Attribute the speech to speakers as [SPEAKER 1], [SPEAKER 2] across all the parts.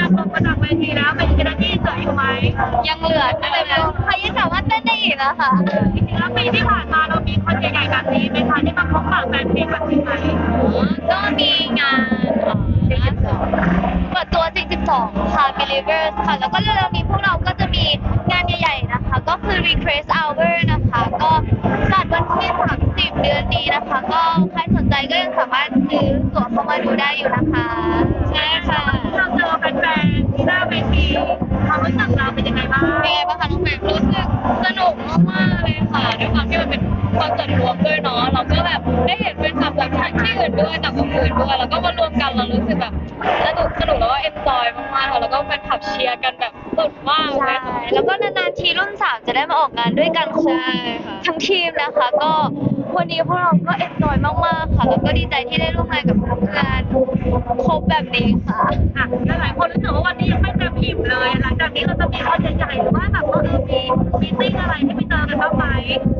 [SPEAKER 1] ลงมาจากเวทีแล้วเป็นกิจกรรมที่เหลืออยู่ไหม
[SPEAKER 2] ยังเหลือเต็มเลยค่ะยังสามารถเต้นได้อีกนะคะ
[SPEAKER 1] จริงๆแล้วปีที่ผ่านมาเรามีคอนเสิร์ตใหญ่แบบนี้ไหมคะที่มาพบปะแฟนเพลงแบบนี้ไหม
[SPEAKER 2] ก็มีงานเปิดตัว 42 ค่ะ Believers ค่ะ แล้วก็เร็วๆนี้พวกเราก็จะมีงานใหญ่ๆนะคะ ก็คือ Request Hour นะคะ ก็จัดวันที่ 30 เดือนนี้นะคะ ก็ใครสนใจก็ยังสามารถซื้อตั๋วเข้ามาดูได้อยู่นะคะ ใช่ค่ะ
[SPEAKER 1] เราเจอแฟนๆที่หน้าเวทีความรู้สึกเราเป็นยังไงบ้าง
[SPEAKER 2] เป็นไงบ้างคะน้องแหม่มรู้สึกสนุกมากๆเลยค่ะด้วยความที่มันเป็นคอนเสิร์ตรวมด้วยเนาะเราก็แบบได้เห็นเป็นคลับจากที่อื่นด้วยจากวงอื่นด้วยแล้วก็มารวมกันเรารู้สึกแบบสนุกแล้วก็เอนจอยมากๆค่ะแล้วก็เป็นขับเชียร์กันแบบสุดมากเลยค่ะแล้วก็นานๆทีรุ่น3จะได้มาออกงานด้วยกันครบทั้งทีมนะคะก็วันนี้พวกเราก็เอนจอยมากๆค่ะแล้วก็ดีใจที่ได้ร่วมงานกับเพื่อนครบแบบนี้ค่ะ
[SPEAKER 1] หลายคนรู้สึกว่าวันนี้ยังไม่เต็มอิ่มเลยหลังจากนี้เราจะมีคอนเสิร์ตใหญ่หรือว่าแบบว่ามีติ้งอะไรให้ไปเจอกันบ้างไหม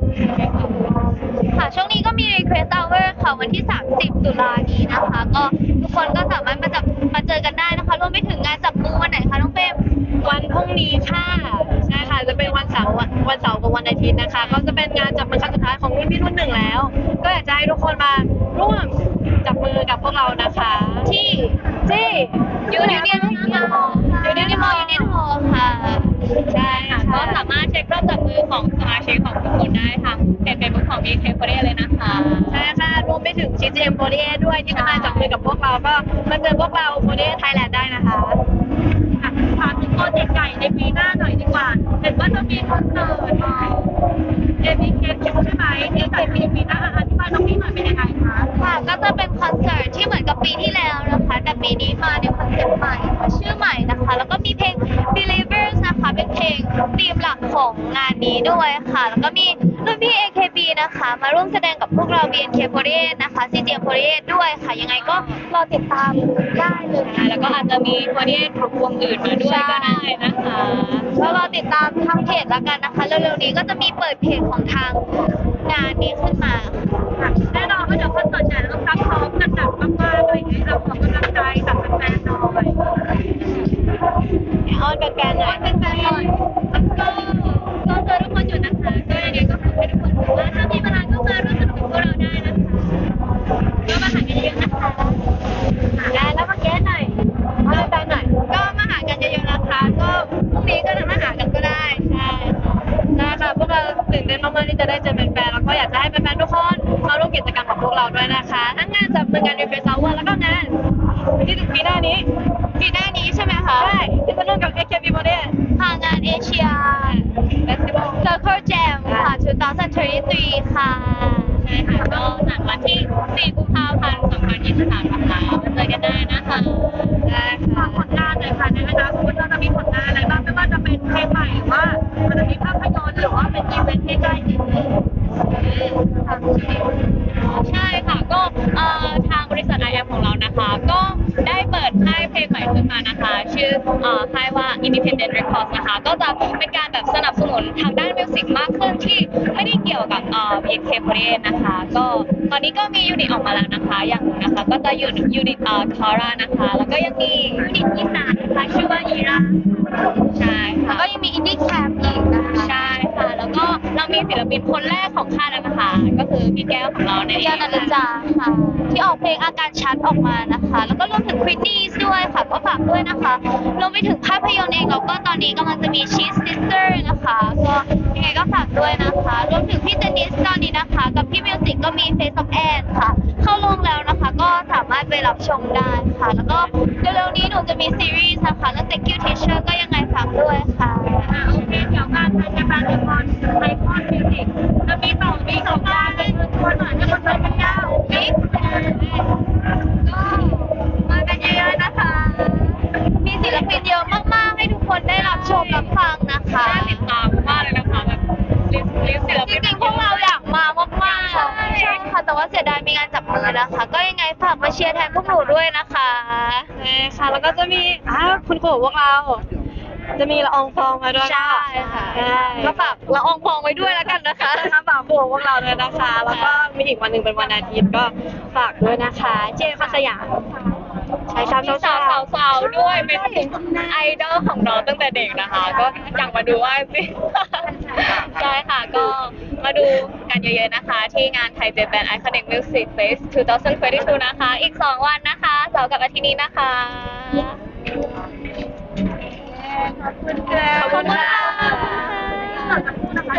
[SPEAKER 2] ค่ะช่วงนี้ก็มี Request Hour ค่ะวันที่ 30 ตุลานี้นะคะก็ทุกคนก็สามารถมาเจอกันได้นะคะรวมไปถึงงานจับมือวันไหนคะน้องเฟรม
[SPEAKER 3] วันพรุ่งนี้ค่ะใช่ค่ะจะเป็นวันเสาร์กับวันอาทิตย์นะคะก็จะเป็นงานจับมือครั้งสุดท้ายของรุ่นพี่รุ่นหนึ่งแล้ว ก็อยากจะให้ทุกคนมาร่วมจับมือกับพวกเรานะคะ
[SPEAKER 2] ที่
[SPEAKER 3] ยูเนียนมอ
[SPEAKER 2] ค่ะ
[SPEAKER 3] ใช่ค่ะ
[SPEAKER 2] ก็สามารถเช็ครอบจับมือของสมาชิกของทุกคนได้ทางเพจเฟซบุ๊กของ BNK48 เลยนะคะ
[SPEAKER 3] ใช่ค่ะรวมไปถึง CGM48 ด้วยที่จะมาจับมือกับพวกเราก็มาเจอพวกเรา48 Thailand ได้นะคะ
[SPEAKER 1] ถามถึงโปรเจกต์ใหญ่ในปีหน้าหน่อยดีกว่าเห็นว่าจะมีคอนเสิร์ตABK ใช่ไหมที่จัดปีหน้าอธิบายตรงนี้หน่อยเป็นยังไงคะ
[SPEAKER 2] ค่ะก็จะเป็นคอนเสิร์ตที่เหมือนกับปีที่แล้วนะคะแต่ปีนี้มาในคอนเซ็ปต์ใหม่ชื่อใหม่นะคะแล้วก็มีเพลง Believers นะคะเป็นเพลงธีมหลักของงานนี้ด้วยค่ะแล้วก็มีรุ่นพี่ AKB นะคะมาร่วมแสดงกับพวกเรา BNK48 นะคะ CGM48 ด้วยค่ะยังไงก็รอติดตามได้เลย
[SPEAKER 3] แล้วก็อาจจะมี48ของวงอื่นมาด้วยก็ได้นะคะ
[SPEAKER 2] แล้วรอติดตามทางเพจแล้วกันนะคะเร็วๆนี้ก็จะมีเปิดเพจของทางงานนี้ขึ้นมา
[SPEAKER 1] แน่นอนว่าเดี๋ยวคอนเสิร์ตใหญ่ต้องซักซ้อมกันหนักมากๆอะไรอย่างเงี้ยเราขอกำลังใจจากแฟนๆหน่อย
[SPEAKER 3] อ้อนแฟนๆหน่อย
[SPEAKER 1] ก็เจอทุกคนอยู่นะคะก็ยังไงก็ขอให้ทุกคนรู้ว่าถ้ามีเวลาก็มาร่วมสนุกกับพวกเราได้นะคะก็มาหากันเยอะๆนะคะ
[SPEAKER 3] แล้วมาแก้หน่อยมาแฟนหน่อย
[SPEAKER 2] ก็มาหากันเยอะๆนะคะก็พรุ่งนี้ก็จะมาหากันก็ได้ใช่
[SPEAKER 3] ค่ะพวกเราตื่นเต้นมากๆที่จะได้เจอแฟนๆแล้วก็อยากจะให้แฟนๆทุกคนมาร่วมกิจกรรมของพวกเราด้วยนะคะทั้งงานจับมือกัน Request Hour แล้วก็งานที่ถึงปีหน้านี้
[SPEAKER 2] ใช่ไหมคะ
[SPEAKER 3] ใช่ที่จะร่วมกับ AKB48
[SPEAKER 2] ทางงานเอเชีย
[SPEAKER 3] Festival
[SPEAKER 2] Circle Jam ค่ะ2023ค่ะ
[SPEAKER 3] ใช่ค่ะก็จัดวันที่4 กุมภาพันธ์ 2023นะคะมาเจอกันได้นะคะ
[SPEAKER 1] ได้ค่ะผลงานหน่อยค่ะในอนาคตเราจะมีผลงานอะไรบ้างไม่ว่าจะเป็นเพลงใหม่หรือว่ามันจะมีภาพยนตร์หรือว่าเป็นอีเวนต์ที่ใกล้ชิด
[SPEAKER 3] ใช่ค่ะก็ทางบริษัท IM ของเรานะคะก็ได้เปิดค่ายเพลงใหม่ขึ้นมานะคะชื่อค่ายว่า Independent Records นะคะก็จะเป็นการแบบสนับสนุนทางด้านมิวสิกมากขึ้นที่ไม่ได้เกี่ยวกับBNK48 นะคะก็ตอนนี้ก็มียูนิตออกมาแล้วนะคะอย่างหนึ่งนะคะก็จะยูนิตทอร่านะคะแล้วก็ยังมียูนิตอีสานนะคะชื่อว่าอีราใช่ค่ะ
[SPEAKER 2] ก็ยังมีอินดี้แคมป์อีกนะคะ
[SPEAKER 3] ใช่ค่ะแล้วก็เรามีศิลปินคนแรกของค่ายแล้วนะคะก็คือพี่แก้วของเรา
[SPEAKER 2] เนี่ยนันจาค่ะที่ออกเพลงอาการชัดออกมานะคะแล้วก็รวมถึงควินนี่ด้วยค่ะก็ฝากด้วยนะคะรวมไปถึงภาพยนตร์เองแล้วก็ตอนนี้กำลังจะมี Cheese Sister นะคะก็ยังไงก็ฝากด้วยนะคะรวมถึงพี่เจนนิสตอนนี้นะคะกับพี่มิวสิกก็มี Face of Anne ค่ะเข้าลงแล้วนะคะก็สามารถไปรับชมได้ค่ะแล้วก็เร็วๆนี้หนูจะมีซีรีส์นะคะแล้ว Thank you Teacher ก็ยังไงฝากด้วยค่ะ
[SPEAKER 1] โอเคเดี๋ยวงานไทยแฟนละครไทยคอนมิวสิกจะมีสองงานเป็นตัวหน่อยให้คนไปกันยาว
[SPEAKER 2] ก็มากันเยอะๆนะคะมีศิลปินเยอะมากๆให้ทุกคนได้รับชมรับฟังนะคะ
[SPEAKER 3] ติดตามมากเลยนะคะแบบลิสต์ศิลปิน
[SPEAKER 2] จริงๆพวกเราอยากมามากๆใช่ค่ะแต่ว่าเสียดายมีงานจับมือนะคะก็ยังไงฝากมาเชียร์แทนพวกหนูด้วยนะคะ
[SPEAKER 3] ค่ะแล้วก็จะมีคุณครูพวกเราจะมีละอองฟองมาด้วย
[SPEAKER 2] ใช่ค่ะก็ฝากละอองฟองไว้ด้วยแล้วกันนะคะ
[SPEAKER 3] ฝากพวกเราด้วยนะคะแล้วก็มีอีกวันหนึ่งเป็นวันอาทิตย์ก็ฝากด้วยนะคะเจมส์สยาม
[SPEAKER 2] ใช่สาว
[SPEAKER 3] ด้วยเป็นไอดอลของน้องตั้งแต่เด็กนะคะ ก็อยากมาดูว่าจริงใช่ค่ะก็มาดูกันเยอะๆนะคะ ที่งานไทยเจแปนไอคอนิกมิวสิกเฟส2022นะคะ อีก 2 วันนะคะเสาร์กับอาทิตย์นี้นะคะ